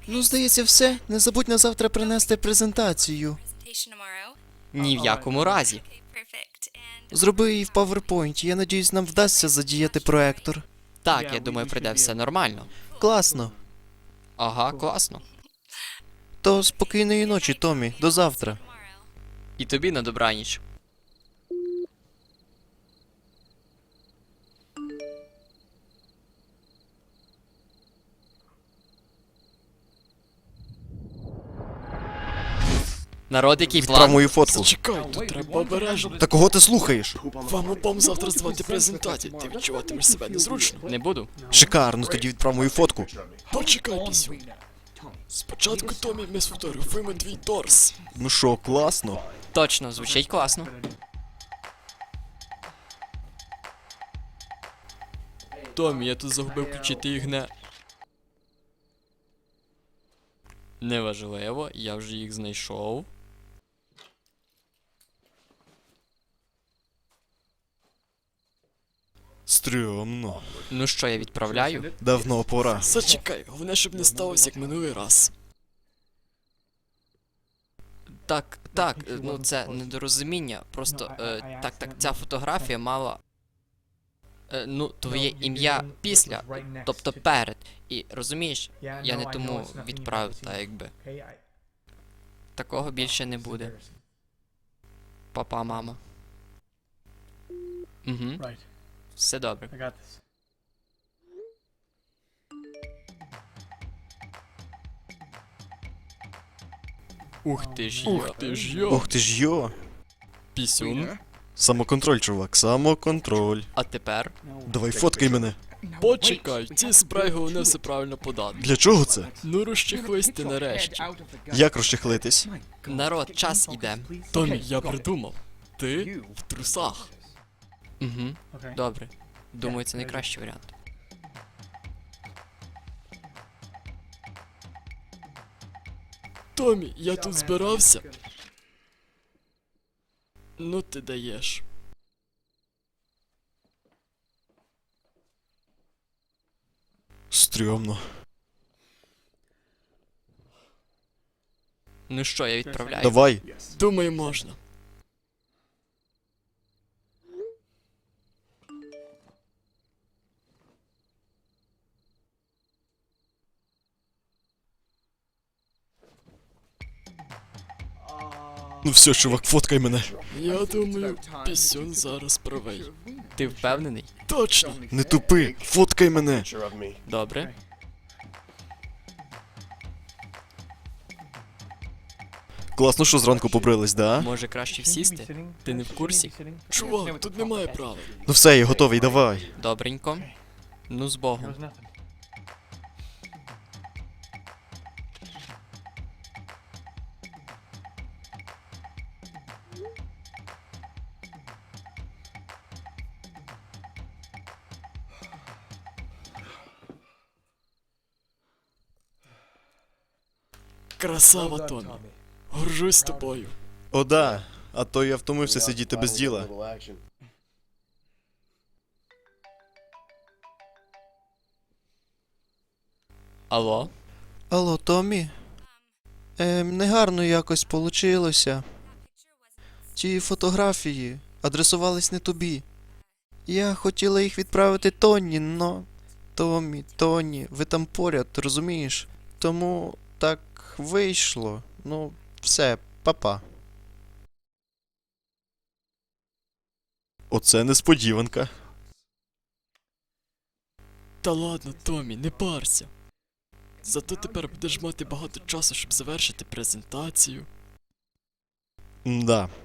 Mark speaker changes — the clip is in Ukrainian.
Speaker 1: Ну, здається, все. Не забудь на завтра принести презентацію.
Speaker 2: Ні в якому разі.
Speaker 1: Зроби її в PowerPoint. Я надіюсь, нам вдасться задіяти проектор.
Speaker 2: Так, я думаю, прийде все нормально.
Speaker 1: Класно.
Speaker 2: Ага, класно.
Speaker 1: То спокійної ночі, Томі. До завтра.
Speaker 2: І тобі на добраніч. Народ, який
Speaker 1: Відправ
Speaker 2: план?
Speaker 1: мою фотку.
Speaker 3: Зачекай, тут треба обережно.
Speaker 1: Та кого ти слухаєш?
Speaker 3: Вам обом завтра звати презентацію, ти відчуватимеш себе незручно.
Speaker 2: Не буду.
Speaker 1: Шикарно, тоді відправ мою фотку.
Speaker 3: Почекай, пісю. Спочатку, Томі, ми сфотографуємо твій торс.
Speaker 1: Ну що, класно?
Speaker 2: Точно, звучить класно.
Speaker 3: Томі, я тут загубив включити ігне.
Speaker 2: Неважливо, я вже їх знайшов.
Speaker 1: Стрьомно.
Speaker 2: Ну що, я відправляю?
Speaker 1: Давно пора.
Speaker 3: Зачекай, головне, щоб не сталося, як минулий раз.
Speaker 2: Так, ну це недорозуміння. Просто, так, ця фотографія мала. Ну, твоє ім'я після, тобто перед. І розумієш, я не тому відправив, та якби. Такого більше не буде. Папа, мама. Угу, все добре. Ух ти ж
Speaker 3: Ух
Speaker 2: йо.
Speaker 3: ти ж йо.
Speaker 1: Ох ти ж йо.
Speaker 2: Пісюн.
Speaker 1: Самоконтроль, чувак, самоконтроль.
Speaker 2: А тепер?
Speaker 1: Давай фоткай мене.
Speaker 3: Почекай, ці спрей головне все правильно подати.
Speaker 1: Для чого це?
Speaker 3: Ну розчехлись ти нарешті.
Speaker 1: Як розчехлитись?
Speaker 2: Народ, час іде.
Speaker 3: Томі, я придумав. Ти в трусах.
Speaker 2: Угу, добре. Думаю, це найкращий варіант.
Speaker 3: Томі, я тут збирався. Ну ти даєш.
Speaker 1: Стрьомно.
Speaker 2: Ну що, я відправляю?
Speaker 1: Давай.
Speaker 3: Думаю, можна.
Speaker 1: Ну все, чувак, фоткай мене.
Speaker 3: Я думаю, пісюн зараз правий.
Speaker 2: Ти впевнений?
Speaker 3: Точно.
Speaker 1: Не тупи, фоткай мене.
Speaker 2: Добре.
Speaker 1: Класно, що зранку побрились, да?
Speaker 2: Може краще сісти? Ти не в курсі?
Speaker 3: Чувак, тут немає правил.
Speaker 1: Ну все, я готовий, давай.
Speaker 2: Добренько. Ну, з Богом.
Speaker 3: Красава, Томі. Горжусь тобою.
Speaker 1: О, да. А то я втомився сидіти без діла.
Speaker 2: Алло?
Speaker 1: Алло, Томі? Негарно якось получилося. Ті фотографії адресувались не тобі. Я хотіла їх відправити Тоні, но... Тоні, ви там поряд, розумієш? Тому так вийшло. Ну, все, па-па. Оце несподіванка.
Speaker 3: Та ладно, Томі, не парся. Зато тепер будеш мати багато часу, щоб завершити презентацію.
Speaker 1: Да.